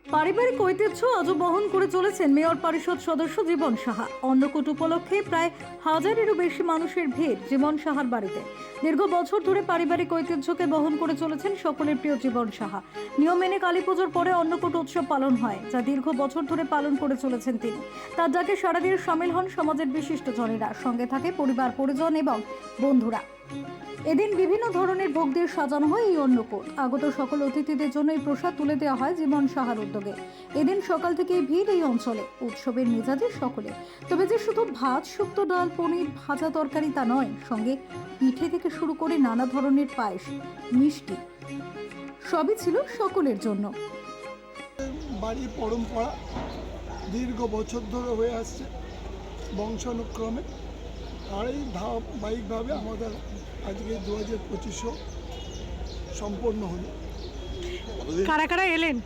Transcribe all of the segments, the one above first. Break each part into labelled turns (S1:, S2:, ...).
S1: পারিবারিক ঐতিহ্য আজও বহন করে চলেছেন মেয়র পরিষদ সদস্য জীবন সাহা। অন্নকূট উপলক্ষে প্রায় 1000-এরও বেশি মানুষের ভিড় জীবন সাহার বাড়িতে। দীর্ঘ বছর ধরে পারিবারিক ঐতিহ্যকে বহন করে চলেছেন সকলের প্রিয় জীবন সাহা। নিয়ম মেনে কালীপুজোর পরে অন্নকূট উৎসব পালন হয়, যা দীর্ঘ বছর ধরে পালন করে চলেছেন তিনি। তার ডাকে সাড়া দিয়ে সামিল হন সমাজের বিশিষ্টজনেরা, সঙ্গে থাকে পরিবার পরিজন এবং বন্ধুরা। এদিন বিভিন্ন ধরনের ভোগ দিয়ে সাজানো হয় এই অন্নকূট। আগত সকল অতিথিদের জন্য এই প্রসাদ তুলে দেওয়া হয় জীবন সাহার উদ্যোগে। এদিন সকাল থেকেই ভিড় এই অঞ্চলে, উৎসবের মেজাজে সকলে। তবে যে শুধু ভাত, শুক্তো, ডাল, পনির, ভাজা তরকারি তা নয়, সঙ্গে পিঠে থেকে শুরু করে নানা ধরনের পায়েস, মিষ্টি সবই ছিল সকলের জন্য।
S2: বাড়ির পরম্পরা দীর্ঘ বছর ধরে হয়ে আসছে বংশানুক্রমে, আর এই ধারাবাহিকভাবে আমাদের আজকে 2025 সম্পন্ন হলো।
S3: কারা কারা এলেন?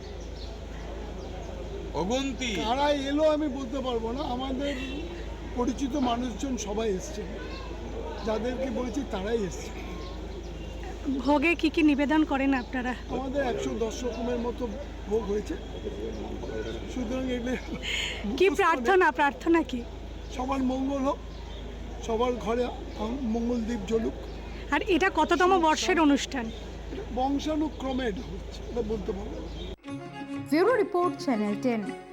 S4: অগন্তি
S2: কারা এলো আমি বলতে পারবো না, আমাদের পরিচিত মানুষজন সবাই এসছে, যাদেরকে বলেছি তারাই এসছে।
S3: ভোগে কি কি নিবেদন করেন আপনারা?
S2: আমাদের 110 রকমের মতো ভোগ হয়েছে। সুতরাং এগুলো
S3: কি প্রার্থনা কি?
S2: সবার মঙ্গল হোক, সবার ঘরে মঙ্গলদ্বীপ জ্বলুক।
S3: আর এটা কততম বর্ষের অনুষ্ঠান?
S2: বংশানুক্রমে এটা হচ্ছে, এটা বলতে পারবো।
S1: Bureau report, channel 10।